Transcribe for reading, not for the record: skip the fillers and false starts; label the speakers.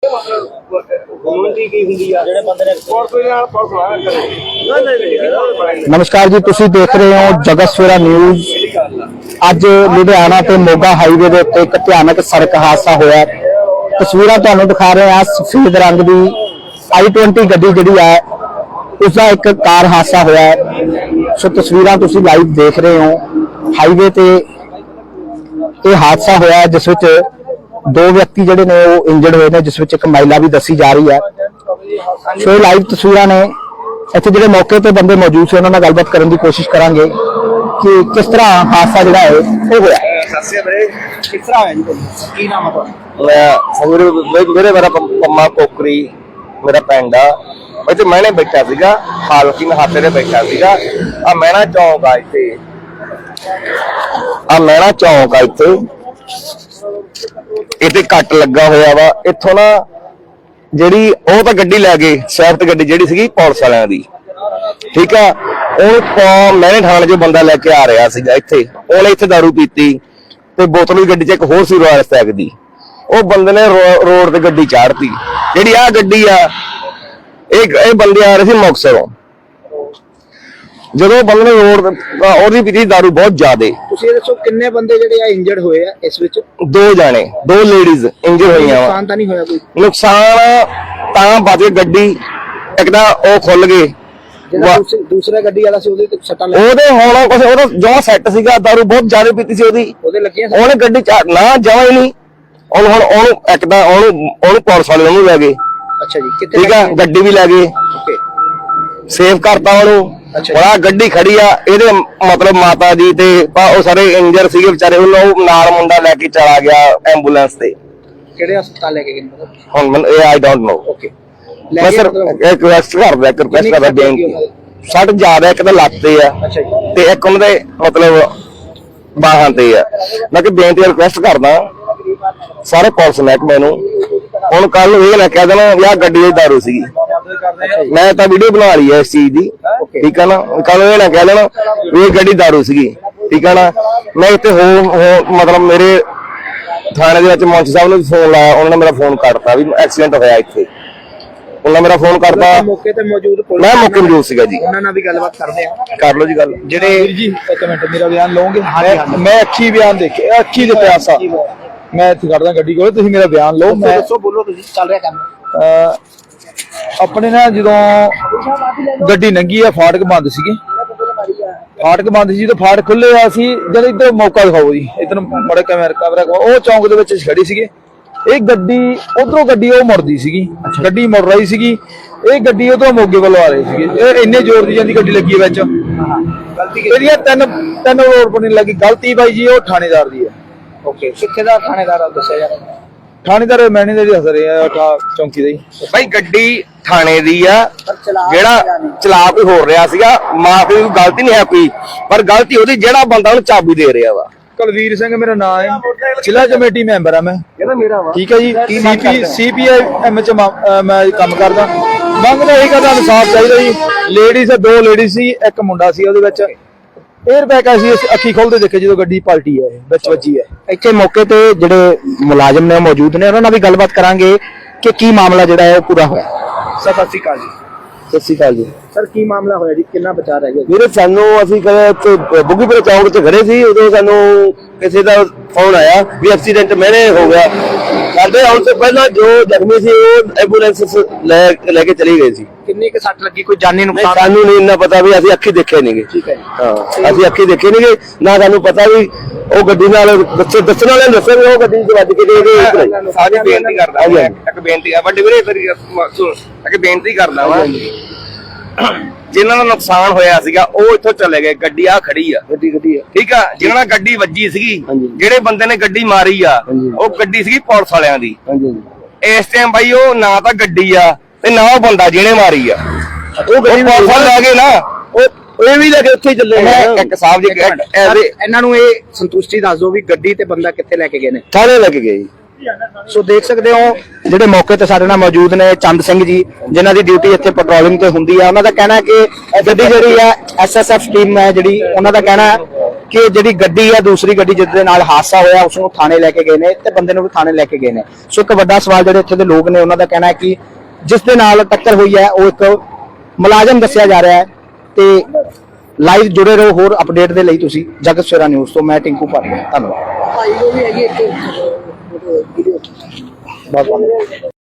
Speaker 1: नमस्कार जी, तुसी देख रहे हो जगत सवेरा न्यूज़। अज लुधियाना ते मोगा हाईवे दे उत्ते एक भयानक सड़क हादसा होया। तस्वीरां तुहानूं दिखा रहे हैं। सफेद रंग दी i20 गड्डी जिहड़ी है उसका एक कार हादसा होया है। सो तस्वीरां तुसी लाइव देख रहे हो। हाईवे ते ये हादसा होया है जिस विच दो व्यक्ति जिहड़े ने वो इंजर्ड हुए ने, जिस विच एक महिला भी दसी जा रही है। सो लाइव तस्वीरां ने। इत्थे जिहड़े मौके ते बंदे मौजूद से उन्हां नाल गलबात करन दी कोशिश करांगे कि किस तरह हादसा जिहड़ा है वो होया।
Speaker 2: किस तरह होया जी? की नाम है
Speaker 3: मैं मेरे मेरा पम्मा कोकरी मेरा पिंड आ। इत्थे मैंने बैठा सीगा, हालकी नहाते ते बैठा सीगा। आ मैना चौक आ इत्थे, आ मैना चौक आ इत्थे इत्थे कट लगा होया वा। इत्थों ना ਜਿਹੜੀ ਉਹ ਤਾਂ ਗੱਡੀ ਲੈ ਗਏ, ਸਵਿਫਟ ਗੱਡੀ ਜਿਹੜੀ ਸੀਗੀ ਪੁਲਿਸ ਵਾਲਿਆਂ ਦੀ, ਠੀਕ ਆ। ਉਹ ਮੈਨੇ ਥਾਣੇ 'ਚੋਂ ਬੰਦਾ ਲੈ ਕੇ ਆ ਰਿਹਾ ਸੀਗਾ ਇੱਥੇ। ਉਹਨੇ ਇੱਥੇ ਦਾਰੂ ਪੀਤੀ ਤੇ ਬੋਤਲ ਵੀ ਗੱਡੀ 'ਚ ਇੱਕ ਹੋਰ ਸੀ ਰੋਇਲ ਸਟੈਗ ਦੀ। ਉਹ ਬੰਦੇ ਨੇ ਰੋਡ ਤੇ ਗੱਡੀ ਚਾੜਤੀ। ਜਿਹੜੀ ਆ ਗੱਡੀ ਆ ਇਹ ਬੰਦੇ ਆ ਰਹੇ ਸੀ ਮੁਕਤਸਰੋਂ। ਜਦੋਂ ਬੰਦੇ ਨੇ ਰੋਡ ਉਹਦੀ ਪੀਤੀ ਦਾਰੂ ਬਹੁਤ ਜ਼ਿਆਦੇ।
Speaker 2: ਤੁਸੀਂ ਇਹ ਦੱਸੋ ਕਿੰਨੇ ਬੰਦੇ ਜਿਹੜੇ ਆ ਇੰਜਰਡ ਹੋਏ ਆ ਇਸ ਵਿੱਚ?
Speaker 3: ਦੋ ਜਾਣੇ, ਦੋ ਲੇਡੀਜ਼ ਇੰਜਰਡ ਹੋਈਆਂ ਵਾ।
Speaker 2: ਨੁਕਸਾਨ ਤਾਂ ਨਹੀਂ ਹੋਇਆ ਕੋਈ?
Speaker 3: ਨੁਕਸਾਨ ਤਾਂ ਬਚ ਗਏ। ਗੱਡੀ ਇੱਕ ਤਾਂ ਉਹ ਖੁੱਲ ਗਏ।
Speaker 2: ਦੂਸਰਾ ਗੱਡੀ ਵਾਲਾ ਸੀ ਉਹਦੇ ਤੇ ਸੱਟਾਂ ਲੱਗ
Speaker 3: ਉਹਦੇ ਹੁਣ ਕੁਝ ਉਹਦਾ ਜਮਾ ਸੈੱਟ ਸੀਗਾ, ਦਾਰੂ ਬਹੁਤ ਜ਼ਿਆਦਾ ਪੀਤੀ ਸੀ
Speaker 2: ਉਹਦੇ ਲੱਗੀਆਂ।
Speaker 3: ਉਹਨੇ ਗੱਡੀ ਨਾ ਜਮਾ ਹੀ ਨਹੀਂ। ਉਹਨੂੰ ਇੱਕ ਤਾਂ ਉਹਨੂੰ ਪੁਲਿਸ ਵਾਲੇ ਉਹਨੂੰ ਲੈ ਗਏ।
Speaker 2: ਅੱਛਾ ਜੀ, ਕਿੱਥੇ?
Speaker 3: ਠੀਕ ਆ, ਗੱਡੀ ਵੀ ਲੈ ਗਏ, ਸੇਵ ਕਰਤਾ ਉਹਨੂੰ। ਬੜਾ ਗੱਡੀ ਖੜੀ ਆ ਇਹਦੇ ਮਤਲਬ ਮਾਤਾ ਜੀ ਤੇ ਉਹ ਸਾਰੇ ਇੰਜਰ ਸੀਗੇ ਵਿਚਾਰੇ। ਉਹਨੂੰ ਨਾਲ ਮੁੰਡਾ ਲੈ ਕੇ ਚਲਾ ਗਿਆ ਐਂਬੂਲੈਂਸ ਤੇ।
Speaker 2: ਕਿਹੜੇ ਹਸਪਤਾਲ ਲੈ ਕੇ ਗਏ?
Speaker 3: ਹੁਣ ਮੈਨੂੰ ਇਹ ਆਈ ਡੋਂਟ ਨੋ।
Speaker 2: ਓਕੇ,
Speaker 3: ਮੈਂ ਸਰ ਇੱਕ ਰਿਕਵੈਸਟ ਕਰਦਾ, ਇੱਕ ਰਿਕਵੈਸਟ ਕਰਦਾ ਬੇਨਤੀ। ਸੱਟ ਜ਼ਿਆਦਾ ਇੱਕ ਤਾਂ ਲੱਤ ਤੇ ਆ ਤੇ ਇੱਕ ਉਹਨਾਂ ਦੇ ਮਤਲਬ ਬਾਹਾਂ ਤੇ ਆ। ਮੈਂ ਕਿ ਬੇਨਤੀ ਰਿਕਵੈਸਟ ਕਰਦਾ ਸਾਰੇ ਪੁਲਿਸ ਮਹਿਕਮੇ ਨੂੰ, ਹੁਣ ਕੱਲ ਨੂੰ ਇਹ ਨਾ ਕਹਿ ਦੇਣਾ ਵੀ ਆਹ ਗੱਡੀ ਦੀ ਦਾਰੂ ਸੀਗੀ। ਮੈਂ ਤਾਂ ਵੀਡੀਓ ਬਣਾ ਲਈ ਹੈ ਇਸ ਚੀਜ਼ ਦੀ, ਠੀਕ ਆ ਨਾ। ਕੱਲ ਇਹ ਨਾ ਕਹਿ ਦੇਣਾ ਵੀ ਇਹ ਗੱਡੀ ਦਾਰੂ ਸੀਗੀ, ਠੀਕ ਆ ਨਾ। ਮੈਂ ਇੱਥੇ ਮਤਲਬ ਮੇਰੇ ਥਾਣੇ ਦੇ ਵਿੱਚ ਮੁੰਸ਼ੀ ਸਾਹਿਬ ਨੂੰ ਫੋਨ ਲਾਇਆ, ਉਹਨਾਂ ਨੇ ਮੇਰਾ ਫੋਨ ਕੱਟਤਾ ਵੀ ਐਕਸੀਡੈਂਟ ਹੋਇਆ ਇੱਥੇ। ਉਹਨਾਂ ਮੇਰਾ ਫੋਨ ਕਰਤਾ,
Speaker 2: ਮੌਕੇ ਤੇ ਮੌਜੂਦ
Speaker 3: ਮੈਂ ਮੌਕੇ ਮੌਜੂਦ ਸੀਗਾ ਜੀ।
Speaker 2: ਉਹਨਾਂ ਨਾਲ ਵੀ ਗੱਲਬਾਤ ਕਰਦੇ ਆ।
Speaker 3: ਕਰ ਲਓ ਜੀ ਗੱਲ।
Speaker 2: ਜਿਹੜੇ ਜੀ ਇੱਕ ਮਿੰਟ ਮੇਰਾ ਬਿਆਨ ਲਓਗੇ? ਮੈਂ ਅੱਖੀ ਬਿਆਨ ਦੇਖੇ, ਅੱਖੀ ਦੇ ਪਿਆਸਾ ਮੈਂ ਇੱਥੇ ਖੜਦਾ ਗੱਡੀ ਕੋਲ, ਤੁਸੀਂ ਮੇਰਾ ਬਿਆਨ ਲਓ। ਮੈਂ ਦੱਸੋ, ਬੋਲੋ ਤੁਸੀਂ। ਚੱਲ ਰਿਹਾ ਕੰਮ ਆਪਣੇ ਨਾ। ਜਦੋਂ ਗੱਡੀ ਲੰਘੀ ਆ, ਫਾਟਕ ਬੰਦ ਸੀਗੇ, ਫਾਟਕ ਬੰਦ ਸੀ। ਜਦੋਂ ਫਾਟਕ ਖੁੱਲੇ ਆ ਅਸੀਂ ਜਦ ਇੱਧਰ ਮੌਕਾ ਦਿਖਾਓ ਜੀ, ਇੱਧਰ ਮੜਾ ਕੈਮਰਾ ਉਹ ਚੌਂਕ ਦੇ ਵਿੱਚ ਖੜੀ ਸੀਗੇ। ਇਹ ਗੱਡੀ ਉਧਰੋਂ ਗੱਡੀ ਉਹ ਮੁੜਦੀ ਸੀਗੀ, ਗੱਡੀ ਮੁੜ ਰਹੀ ਸੀਗੀ। ਇਹ ਗੱਡੀ ਉਧਰੋਂ ਮੋਗੇ ਵੱਲੋਂ ਆ ਰਹੀ ਸੀਗੀ। ਇਹ ਇੰਨੇ ਜ਼ੋਰ ਦੀ ਜਾਂਦੀ ਗੱਡੀ ਲੱਗੀ ਵਿੱਚ। ਇਹਦੀਆਂ ਤਿੰਨ ਰੋਡ ਪਰ ਨਹੀਂ ਲੱਗੀ। ਗਲਤੀ ਬਾਈ ਜੀ ਉਹ ਥਾਣੇਦਾਰ ਦੀ ਹੈ। ਓਕੇ, ਕਿੱਥੇ ਦਾ ਥਾਣੇਦਾਰ ਆ ਦੱਸਿਆ ਯਾਰ? ਥਾਣੇਦਾਰ ਮੈਨੇ ਦੇ ਹੱਸ ਰਹੇ ਆ ਚੌਂਕੀ ਦੇ
Speaker 3: ਬਾਈ। ਗੱਡੀ ਥਾਣੇ ਦੀ ਆ, ਜਿਹੜਾ ਚਲਾ ਕੋਈ ਹੋ ਰਿਹਾ ਸੀਗਾ। ਮਾਫੀ ਦੀ ਗਲਤੀ ਨਹੀਂ ਹੈ ਕੋਈ, ਪਰ ਗਲਤੀ ਉਹਦੀ ਜਿਹੜਾ ਬੰਦਾ ਉਹਨੂੰ ਚਾਬੀ ਦੇ ਰਿਹਾ ਵਾ।
Speaker 2: ਕੁਲਵੀਰ ਸਿੰਘ ਮੇਰਾ ਨਾਮ ਹੈ, ਜ਼ਿਲ੍ਹਾ ਕਮੇਟੀ ਮੈਂਬਰ ਆ ਮੈਂ। ਠੀਕ ਹੈ ਜੀ, CPIM ਚ ਮੈਂ ਕੰਮ ਕਰਦਾ। ਮੰਗਦਾ ਇਹੀ ਕਰਦਾ, ਇਨਸਾਫ ਚਾਹੀਦਾ ਜੀ। ਲੇਡੀਜ਼ ਦੋ ਲੇਡੀਜ਼ ਸੀ, ਇੱਕ ਮੁੰਡਾ ਸੀ। ਉਹਦੇ ਵਿੱਚ 에ਅਰ ਬੈਗ ਅਸੀਂ ਅੱਖੀ ਖੋਲਦੇ ਦੇਖੇ ਜਦੋਂ ਗੱਡੀ ਪਲਟੀ ਹੈ, ਵਿੱਚ ਵੱਜੀ ਹੈ।
Speaker 1: ਇੱਥੇ ਮੌਕੇ ਤੇ ਜਿਹੜੇ ਮੁਲਾਜ਼ਮ ਨੇ ਮੌਜੂਦ ਨੇ, ਉਹਨਾਂ ਨਾਲ ਵੀ ਗੱਲਬਾਤ ਕਰਾਂਗੇ ਕਿ ਕੀ ਮਾਮਲਾ ਜਿਹੜਾ ਹੈ ਉਹ ਪੂਰਾ ਹੋਇਆ।
Speaker 2: ਸਤਿ ਸ਼੍ਰੀ ਅਕਾਲ ਜੀ।
Speaker 1: ਸਤਿ ਸ਼੍ਰੀ ਅਕਾਲ ਜੀ।
Speaker 2: ਸਰ, ਕੀ ਮਾਮਲਾ ਹੋਇਆ ਜੀ? ਕਿੰਨਾ ਬਚਾ ਰਹਿ ਗਿਆ?
Speaker 3: ਵੀਰੇ ਸਾਨੂੰ ਅਸੀਂ ਕਦੇ ਬੁੱਗੀਪੁਰ ਚੌਂਕ 'ਚ ਖੜੇ ਸੀ, ਉਦੋਂ ਸਾਨੂੰ ਕਿਸੇ ਦਾ ਫੋਨ ਆਇਆ ਵੀ ਐਕਸੀਡੈਂਟ ਮੇਰੇ ਹੋ ਗਿਆ। ਸਾਡੇ ਆਉਣ ਤੋਂ ਪਹਿਲਾਂ ਜੋ ਜ਼ਖਮੀ ਸੀ ਉਹ ਐਂਬੂਲੈਂਸ ਲੈ ਕੇ ਚਲੀ ਗਏ ਸੀ।
Speaker 2: ਕਿੰਨੀ ਕੁ ਸੱਟ ਲੱਗੀ? ਕੋਈ ਜਾਨੀ ਨੁਕਸਾਨ?
Speaker 3: ਸਾਨੂੰ ਨਹੀਂ ਇੰਨਾ ਪਤਾ ਵੀ ਅਸੀਂ ਅੱਖੀ ਦੇਖੇ ਨਹੀਂਗੇ।
Speaker 2: ਠੀਕ ਹੈ ਜੀ।
Speaker 3: ਹਾਂ, ਅਸੀਂ ਅੱਖੀ ਦੇਖੇ ਨਹੀਂਗੇ, ਨਾ ਸਾਨੂੰ ਪਤਾ ਵੀ ਉਹ ਗੱਡੀ ਨਾਲ ਦੱਸਣ ਵਾਲੇ ਦੱਸੇ ਵੀ ਉਹ ਗੱਡੀ 'ਚ ਵੱਜ ਕੇ। ਸਾਡੀ ਬੇਨਤੀ ਕਰਦਾ ਇੱਕ ਬੇਨਤੀ ਆ ਵੱਡੇ ਵੀਰੇ, ਇੱਕ ਬੇਨਤੀ ਕਰਦਾ ਵਾ। ਜਿਨ੍ਹਾਂ ਦਾ ਨੁਕਸਾਨ ਹੋਇਆ ਸੀਗਾ ਉਹ ਇੱਥੋਂ ਚਲੇ ਗਏ। ਗੱਡੀ ਆ ਖੜੀ ਆ, ਗੱਡੀ ਆ, ਠੀਕ ਆ। ਜਿਹਨਾਂ ਨਾਲ ਗੱਡੀ ਵੱਜੀ ਸੀਗੀ, ਜਿਹੜੇ ਬੰਦੇ ਨੇ ਗੱਡੀ ਮਾਰੀ ਆ, ਉਹ ਗੱਡੀ ਸੀਗੀ ਪੁਲਿਸ ਵਾਲਿਆਂ ਦੀ। ਇਸ ਟਾਈਮ ਬਾਈ ਉਹ ਨਾ ਤਾਂ ਗੱਡੀ ਆ ਤੇ ਨਾ ਉਹ ਬੰਦਾ ਜਿਹਨੇ ਮਾਰੀ ਆ। ਉਹ ਗੱਡੀ ਪੁਲਿਸ ਵਾਲੇ ਲੈ ਗਏ ਨਾ, ਉਹ ਵੀ ਲੈ ਕੇ ਉੱਥੇ ਚੱਲੇ। ਇੱਕ ਸਾਹਿਬ ਜੀ
Speaker 2: ਇਹਨਾਂ ਨੂੰ ਇਹ ਸੰਤੁਸ਼ਟੀ ਦੱਸ ਦਿਓ ਵੀ ਗੱਡੀ ਤੇ ਬੰਦਾ ਕਿੱਥੇ ਲੈ ਕੇ ਗਏ ਨੇ?
Speaker 3: ਥਾਣੇ ਲੈ ਕੇ ਗਏ।
Speaker 1: ਸੋ ਦੇਖ ਸਕਦੇ ਹੋ ਜਿਹੜੇ ਮੌਕੇ ਤੇ ਸਾਡੇ ਨਾਲ ਮੌਜੂਦ ਨੇ ਚੰਦ ਸਿੰਘ ਜੀ, ਜਿਨ੍ਹਾਂ ਦੀ ਡਿਊਟੀ ਇੱਥੇ ਪੈਟਰੋਲਿੰਗ ਤੇ ਹੁੰਦੀ ਆ। ਉਹਨਾਂ ਦਾ ਕਹਿਣਾ ਹੈ ਕਿ ਗੱਡੀ ਜਿਹੜੀ ਆ SSF ਟੀਮ ਹੈ ਜਿਹੜੀ, ਉਹਨਾਂ ਦਾ ਕਹਿਣਾ ਕਿ ਜਿਹੜੀ ਗੱਡੀ ਆ ਦੂਸਰੀ ਗੱਡੀ ਜਿਸ ਦੇ ਨਾਲ ਹਾਦਸਾ ਹੋਇਆ ਉਸ ਨੂੰ ਥਾਣੇ ਲੈ ਕੇ ਗਏ ਨੇ ਤੇ ਬੰਦੇ ਨੂੰ ਵੀ ਥਾਣੇ ਲੈ ਕੇ ਗਏ ਨੇ। ਸੋ ਇੱਕ ਵੱਡਾ ਸਵਾਲ ਜਿਹੜੇ ਇੱਥੇ ਦੇ ਲੋਕ ਨੇ ਉਹਨਾਂ ਦਾ ਕਹਿਣਾ ਹੈ ਕਿ ਜਿਸ ਦੇ ਨਾਲ ਟੱਕਰ ਹੋਈ ਹੈ ਉਹ ਇੱਕ ਮੁਲਾਜ਼ਮ ਦੱਸਿਆ ਜਾ ਰਿਹਾ ਹੈ। ਤੇ ਲਾਈਵ ਜੁੜੇ ਰਹੋ ਹੋਰ ਅਪਡੇਟ ਦੇ ਲਈ ਤੁਸੀਂ ਜਗਤ ਸਵੇਰਾ ਨਿਊਜ਼ ਤੋਂ। ਮੈਂ ਟਿੰਕੂ ਭਾਟੀਆ, ਧੰਨਵਾਦ।